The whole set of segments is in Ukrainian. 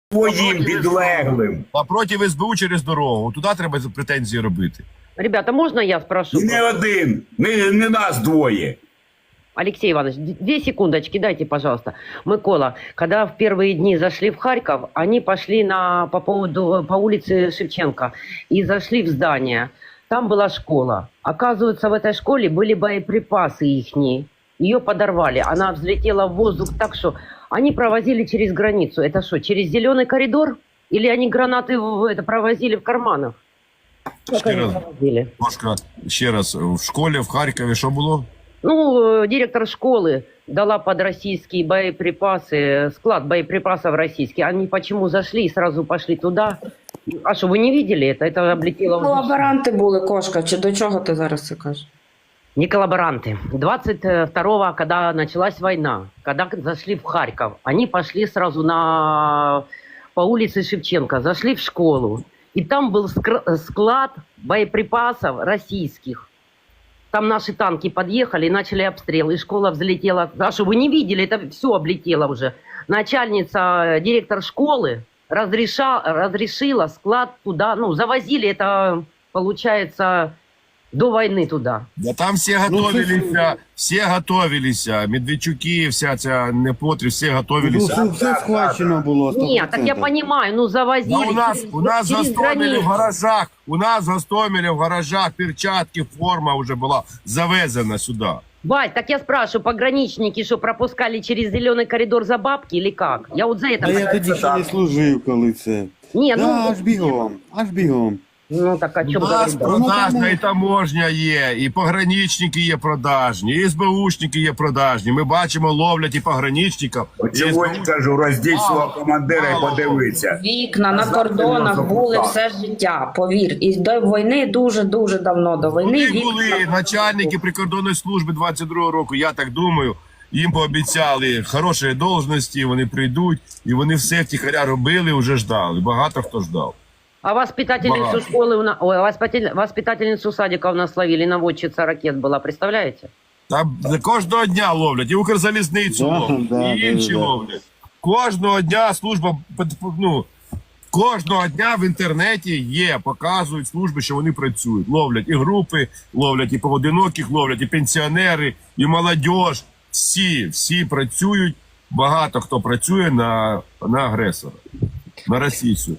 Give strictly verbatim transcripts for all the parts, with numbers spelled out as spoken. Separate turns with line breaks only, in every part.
Твоїм підлеглим.
А проти СБУ через дорогу. Туди треба претензії робити.
Ребята, можно я спрошу?
І не один, не, не нас двоє.
Алексей Иванович, две секундочки, дайте, пожалуйста. Микола, когда в первые дни зашли в Харьков, они пошли на, по, поводу, по улице Шевченко и зашли в здание. Там была школа. Оказывается, в этой школе были боеприпасы ихние. Ее подорвали. Она взлетела в воздух так, что они провозили через границу. Это что, через зеленый коридор? Или они гранаты в, это, провозили в карманах? Как
Ще
они
раз,
провозили?
Машка, ще раз, в школі в Харкові що було?
Ну, директор школы дала под российские боеприпасы, склад боеприпасов российский. Они почему зашли и сразу пошли туда? А что, вы не видели это? Это облетело... в-
Колаборанти були, Кошка, чи до чого ти зараз це кажеш?
Не коллаборанты. двадцать второго, когда началась война, когда зашли в Харьков, они пошли сразу на... по улице Шевченко, зашли в школу. И там был скр- склад боеприпасов российских. Там наши танки подъехали и начали обстрел. И школа взлетела. А что, вы не видели? Это все облетело уже. Начальница, директор школы разреша, разрешила склад туда. Ну, завозили это, получается, до войны туда.
Да там всі готовилися, всі готовилися. Медведчуки, вся ця непотріб, всі
Ну,
готовилися.
все, все схвачено було. сто
Нет, так я
процентов.
понимаю, ну завозили.
Да у нас,
через-
у нас в
через
Гостомелі в
границу.
гаражах, у нас в Гостомелі в гаражах перчатки, форма вже була завезена сюди.
Вась, так я спрашиваю, пограничники что, пропускали через зеленый коридор за бабки или как? Я вот за это...
А я тоді ще не служив, коли це.
Не,
Да,
ну,
аж бігом, аж бігом.
ну так о
У
чем
нас
говорить?
продажна і таможня є, і пограничники є продажні, і СБУшники є продажні. Ми бачимо, ловлять і пограничників. і
Чого я
СБУ.
кажу, роздіть свого
Мало,
командира і
мало.
подивиться.
Вікна на
Завтра
кордонах
можна
були
так.
все життя, повір. І до війни дуже-дуже давно до війни.
Вони
вікна
були
на
начальники прикордонної служби двадцять другого року, я так думаю. Їм пообіцяли хороші должності, вони прийдуть, і вони все втіхаря робили, вже ждали. Багато хто ждав.
А воспитательницу
Багато.
школы, у нас, ой, воспитатель- воспитательницу садика у нас ловили, наводчица ракет была, представляете?
Там кожного дня ловлять, і Укрзалізницю
Да,
ловлять,
да,
і інші
да, да.
ловлять. Кожного дня служба, ну, кожного дня в інтернеті є, показують служби, що вони працюють. Ловлять і групи, ловлять і поодиноких, ловлять і пенсіонери, і молодь. Всі, всі працюють, багато хто працює на, на агресора, на російцю.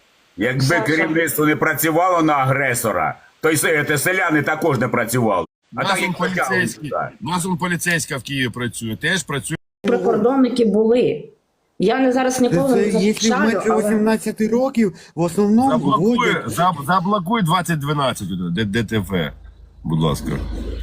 Якби керівництво не працювало на агресора, то й се- те селяни також не працювали. А
У
так
нас он
як потягли
поліцейський,
сюди.
у нас он поліцейська в Києві працює, теж працює.
Прикордонники були. Я не зараз
Це,
ніколи
це,
не
якщо
захищаю,
менше
але...
вісімнадцяти років, в основному
Заблокуй,
вводять.
заб, заблокуй двадцять дванадцять, Д- ДТФ, будь ласка.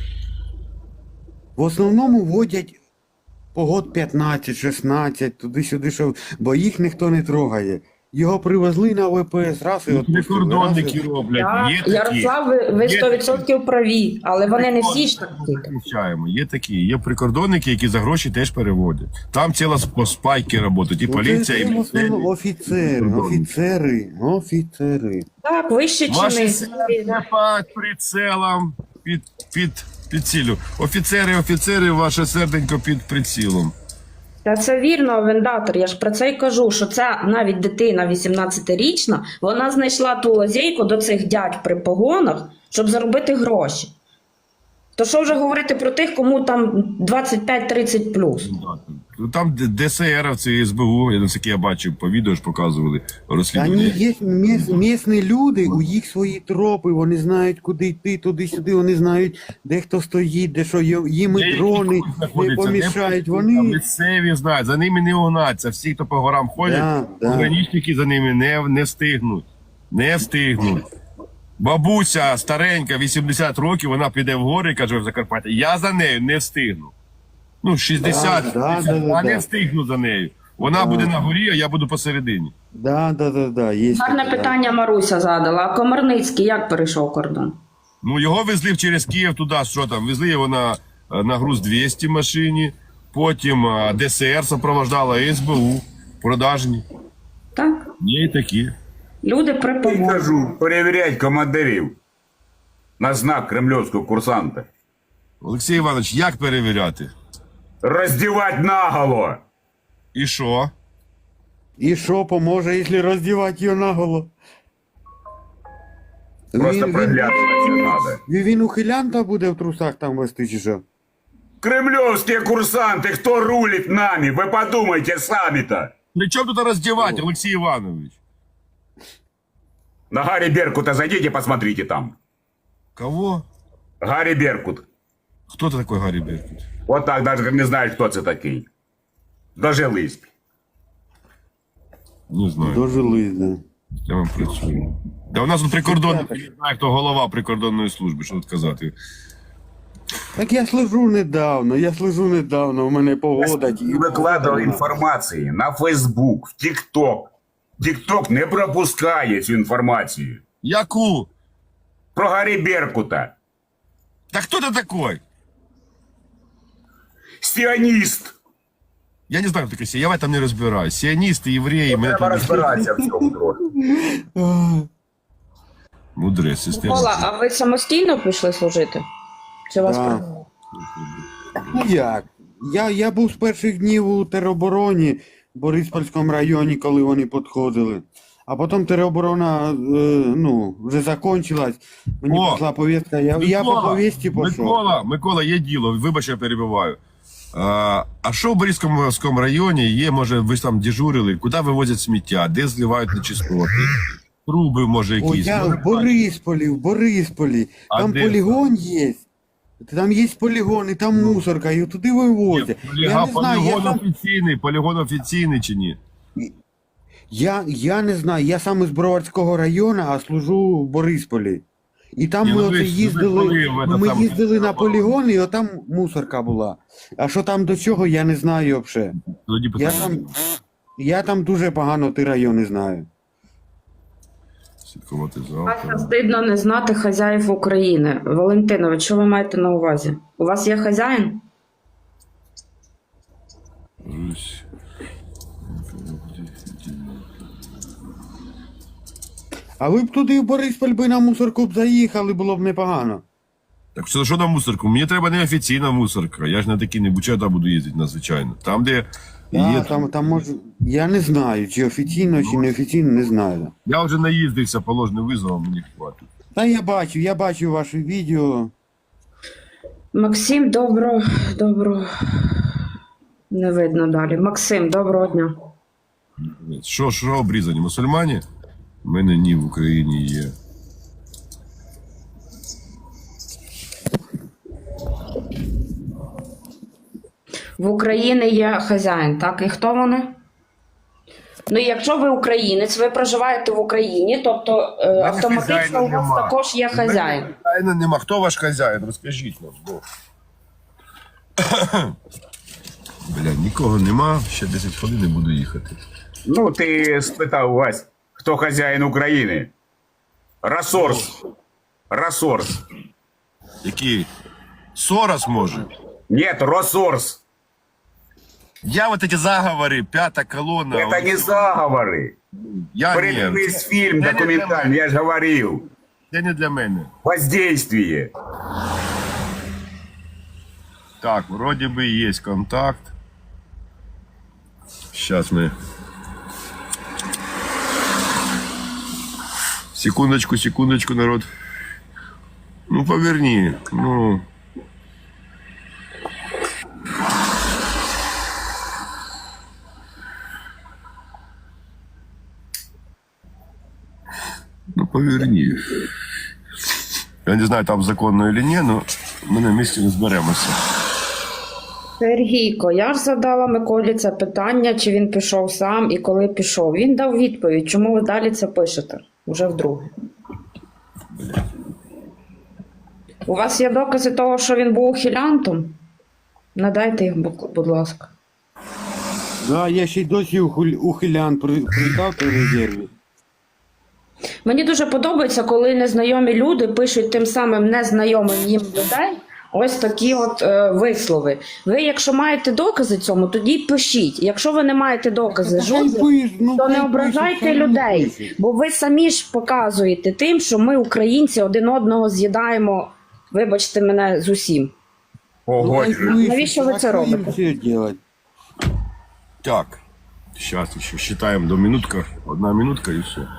В основному вводять по год п'ятнадцять, шістнадцять, туди-сюди, що, бо їх ніхто не трогає. Його привезли на ВПС, раз і відпустили.
Прикордонники
раз і-
роблять,
Так,
є такі.
Ярослав, ви, ви
Є
сто відсотків праві, але вони не всі ж такі.
Вивчаємо. Є такі, є прикордонники, які за гроші теж переводять. Там ціла сп- спайки працюють, і
Ну,
поліція,
це,
і
це в основному
міліція.
офіцери, офіцери, офіцери.
Так, вище
Ваші
чини.
серце під прицелом, під, під, під цілю. Офіцери, офіцери, ваше серденько під прицілом.
Та це вірно, вендатор. Я ж про це й кажу, що це навіть дитина вісімнадцятирічна, вона знайшла ту лазейку до цих дядь при погонах, щоб заробити гроші. То що вже говорити про тих, кому там двадцять п'ять тридцять плюс?
Там ДСРовці, СБУ, я наскільки я бачив, по відео ж показували
Вони
розслідування.
є міс, місні люди, у їх свої тропи, вони знають, куди йти, туди-сюди, вони знають, де хто стоїть, де що є- їм і
Деякі
дрони
тут
не
знаходяться,
помішають.
не
Вони
місцеві знають, за ними не угнаться. Всі, хто по горам ходять,
Да, да.
пограничники за ними не, не встигнуть. Не встигнуть. Бабуся старенька, вісімдесят років, вона піде в гори, каже в Закарпатті, я за нею не встигну. Ну, шістдесят,
Да, да, да, да,
а не
да.
встигну за нею. Вона буде на горі, а я буду посередині.
да, да, да, да, є
Гарне
таке, да.
питання Маруся задала. А Комарницький як перейшов кордон?
Ну, його везли через Київ туди, що там, везли його на, на груз двісті машині, потім а, ДСР супроводжала, СБУ, продажні.
Так?
Є і такі.
Люди при
Я
погонах.
кажу, перевіряють командирів на знак кремлівського курсанта.
Олексій Іванович, як перевіряти?
Роздівать наголо.
І що?
І що поможе, якщо роздівати його наголо?
Просто
Він-
приглядуватися надо.
Він, він ухилянта буде в трусах там вести чи що?
Кремлевские курсанты, кто рулит нами? Вы подумайте сами-то.
При чому тут роздівати, Олексій Іванович?
На Гарри Беркута зайдите, посмотрите там.
Кого?
Гарри Беркут.
Хто це такий Гаррі Беркут?
Вот так даже не знають, хто це такий. Дожились.
Не знаю.
Дожились, да.
Я вам працюю. Да у нас тут прикордонний, я не знаю, хто голова прикордонної служби, що тут казати.
Так я слежу недавно, я слежу недавно, у мене погода. ті-
Викладав інформації на Фейсбук, в Тікток. Тікток не пропускає цю інформацію.
Яку?
Про Гаррі Беркута.
Та хто ти такой?
Сіоніст.
Я не знаю, хто такий, я в этом не розбираюсь. Сіоністи, євреї, мене
Треба
там...
розбиратися в цьому трохи.
Мудрець, сестер.
Микола, а ви самостійно пішли служити? Чи вас
Да.
прийняли?
Ну як? Я, я був з перших днів у теробороні в Бориспільському районі, коли вони підходили. А потім тероборона, е, ну, вже закончилась. Мені
О,
прийшла повістка, я, я по повісті пішов.
Микола, Микола, є діло, вибач, я перебиваю. А, а що в Борівському районі є, може, ви ж там дежурили, куди вивозять сміття, де зливають нечистоти? Труби, може,
О,
якісь.
я
Може,
в Борисполі, в Борисполі.
А
Там
де
полігон є. Там є полігон, і там мусорка, і туди вивозять.
Полігон,
Я не знаю, я
полігон
сам,
офіційний, полігон офіційний чи ні?
я, я не знаю, я сам із Броварського району, а служу в Борисполі. І там
Ні,
ми
ну ви
оце
ж- ви
їздили,
були в этом
ми
самому
їздили на
теробороні.
полігон, і отам мусорка була. А що там до чого, я не знаю взагалі.
Тоді
Я
питання.
там, я там дуже погано ті райони знаю.
Слідкувати
Вася,
завтра.
стидно не знати хазяїв України. Валентинович, що ви маєте на увазі? У вас є хазяїн?
Русь.
А ви б туди в Борисполь би на мусорку б заїхали, було б непогано.
Так що, що на мусорку? Мені треба не офіційна мусорка. Я ж на такі не бучата буду їздити надзвичайно. Там, де
А,
є.
там, там може, я не знаю, чи офіційно, чи неофіційно, не знаю.
Я вже наїздився по ложним визовам, мені хватить.
Та я бачу, я бачу ваше відео.
Максим, добро, добро. Не видно далі. Максим, доброго дня.
Що, що обрізані? Мусульмані? У мене ні, в Україні є.
В Україні є хазяїн, так? І хто вони? Ну, якщо ви українець, ви проживаєте в Україні, тобто е, автоматично
хазяїна
у вас
нема.
також є хазяїн.
Хазяїна нема. Хто ваш хазяїн? Розкажіть нам. Бо. Бля, нікого нема, ще десять хвилин і буду їхати.
Ну, ти спитав Вась, хто хазяїн України? Росорс. Росорс.
Який? Сорос може?
Нет, Росорс.
Я вот эти заговоры, пятая колонна.
Это
вот
не
эти-
заговоры.
Я не.
Передивись фильм
Це не для
документальный, я же говорил.
Це не для мене.
Воздействие.
Так, вроде бы есть контакт. Сейчас мы... Секундочку, секундочку, народ. Ну, поверни. Ну... Ну, поверни. Я не знаю, там законно или ні, но ми на місці не зберемося.
Сергійко, я ж задала Миколі це питання, чи він пішов сам і коли пішов. Він дав відповідь, чому ви далі це пишете? Уже вдруге. У вас є докази того, що він був ухилянтом? Надайте їх, будь- будь ласка.
Да, я ще й досі ухиль- ухилян при- придав при резерві.
Мені дуже подобається, коли незнайомі люди пишуть тим самим незнайомим їм людей ось такі от е, вислови. Ви, якщо маєте докази цьому, тоді й пишіть. Якщо ви не маєте докази жодних,
Пиш, ну,
то не
хай
ображайте
пишуть, хай
людей,
пишуть.
бо ви самі ж показуєте тим, що ми, українці, один одного з'їдаємо, вибачте мене, з усім.
Ого,
Хай пишуть,
Навіщо ви
а
це
що їм
робите?
це делать?
Так. Зараз ще считаємо до минутка. Одна минутка і все.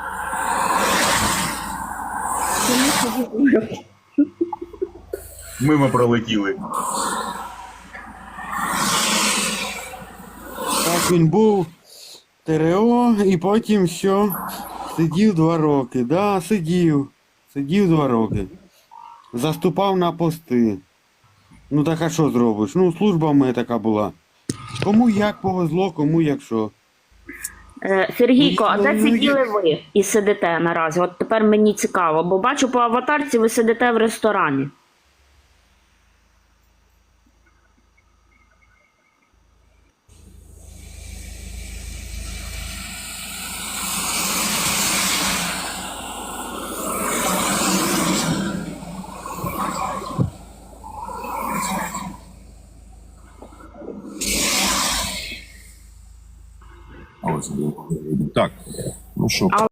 Мимо пролетіли.
Так він був ТРО і потім що? Сидів два роки. Да, сидів. Сидів два роки. Заступав на пости. Ну так а що зробиш? Ну, служба в мене така була. Кому як повезло, кому як що.
Е, Сергійко, а де
Ну, ну,
сиділи
я-
ви і сидите наразі? От тепер мені цікаво, бо бачу по аватарці, ви сидите в ресторані.
А ось, так, ну що,
А